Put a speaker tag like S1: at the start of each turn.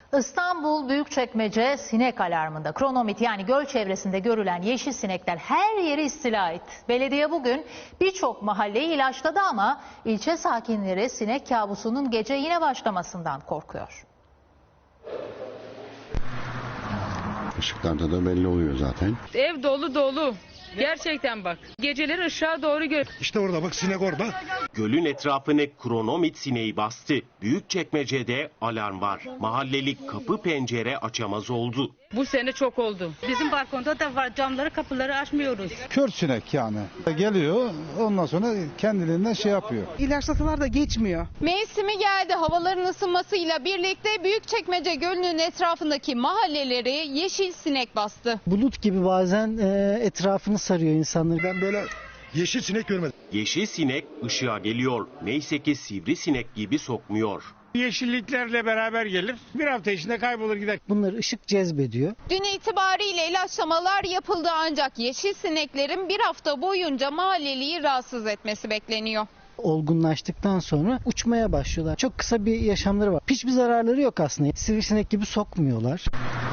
S1: İstanbul Büyükçekmece sinek alarmında. Kronomit yani göl çevresinde görülen yeşil sinekler her yeri istila etti. Belediye bugün birçok mahalleyi ilaçladı ama ilçe sakinleri sinek kabusunun gece yine başlamasından korkuyor.
S2: Işıklarda da belli oluyor zaten.
S3: Ev dolu dolu. Gerçekten bak. Geceleri ışığa doğru gör.
S4: İşte orada bak, sinek orada.
S5: Gölün etrafını kronomit sineği bastı. Büyükçekmece'de alarm var. Mahallelik kapı pencere açamaz oldu.
S3: Bu sene çok oldu.
S6: Bizim balkonda da var, camları kapıları açmıyoruz.
S7: Kör sinek yani. Geliyor, ondan sonra kendiliğinden şey yapıyor.
S8: İlaçlasalar da geçmiyor.
S9: Mevsimi geldi. Havaların ısınmasıyla birlikte Büyükçekmece Gölü'nün etrafındaki mahalleleri yeşil sinek bastı.
S10: Bulut gibi bazen etrafını sarıyor insanları.
S4: Ben böyle yeşil sinek görmedim.
S5: Yeşil sinek ışığa geliyor. Neyse ki sivrisinek gibi sokmuyor.
S11: Yeşilliklerle beraber gelir. Bir hafta içinde kaybolur gider.
S10: Bunları ışık cezbediyor.
S9: Dün itibariyle ilaçlamalar yapıldı ancak yeşil sineklerin bir hafta boyunca mahalleliyi rahatsız etmesi bekleniyor.
S10: Olgunlaştıktan sonra uçmaya başlıyorlar. Çok kısa bir yaşamları var. Hiçbir zararları yok aslında. Sivrisinek gibi sokmuyorlar.